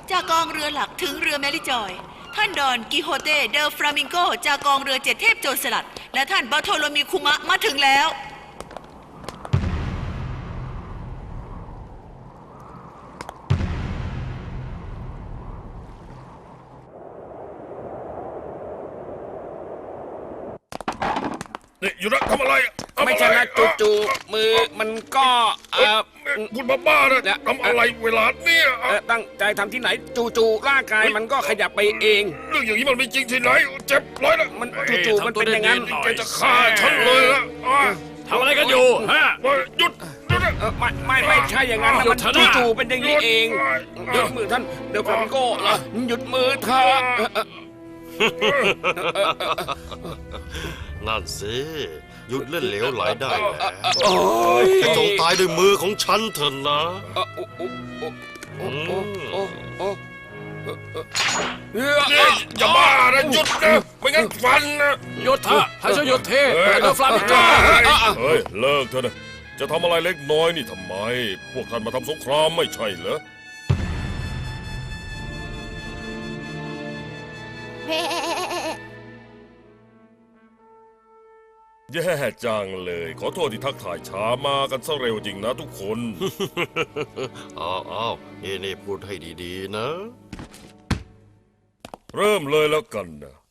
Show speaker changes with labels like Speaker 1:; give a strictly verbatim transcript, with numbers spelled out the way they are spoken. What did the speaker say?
Speaker 1: จากกองเรือหลักถึงเรือแมริจอยท่านดอนกิโฮเต้เดลฟลามิงโกจากกองเรือเจ็ดเทพโจรสลัดและท่านบาโทโลมีคุมะมาถึงแล้ว
Speaker 2: นี่อยู่นะทำอะไร
Speaker 3: ไม่ใช่นะจู่ๆมือมันก็เออ
Speaker 2: คุณบ้าๆนะทำอะไรเวลาเนี่ย
Speaker 3: ตั้งใจทำที่ไหนจู่ๆร่างกายมันก็ขยับไปเอง
Speaker 2: เรื่องอย่างนี้มันไม่จริงที่ไหนเจ็บร้อยนะ
Speaker 3: มันจู่ๆมันเป็นอย่างนั้น
Speaker 2: แกจะฆ่าฉันเลยละ
Speaker 4: ทำอะไรกันอยู่ฮะ
Speaker 2: หยุดหยุด
Speaker 3: ไม่ไม่ไม่ใช่อย่างนั้นนะมันจู่ๆเป็นอย่างนี้เองหยุดมือท่านเดลฟลามิงโก้เหรอหยุดมือเธอ
Speaker 5: นั่นสิหยุดเล่นเหลวไหลได้แล้วจงตายด้วยมือของฉันเถอะนะ
Speaker 2: อย่าบ้านะหยุดนะไม่งั้นฟันนะ
Speaker 4: หยุดเถอะให้ฉันหยุดเทเดลฟลามิงโก
Speaker 2: เฮ้ยเลิกเถอะนะจะทำอะไรเล็กน้อยนี่ทำไมพวกท่านมาทำสงครามไม่ใช่เหรอแย่จังเลยขอโทษที่ทักถ่ายช้ามากันซะเร็วจริงนะทุกคน
Speaker 5: อ้าวอ้าวนี่นี่พูดให้ดีๆนะ
Speaker 2: เริ่มเลยแล้วกันนะ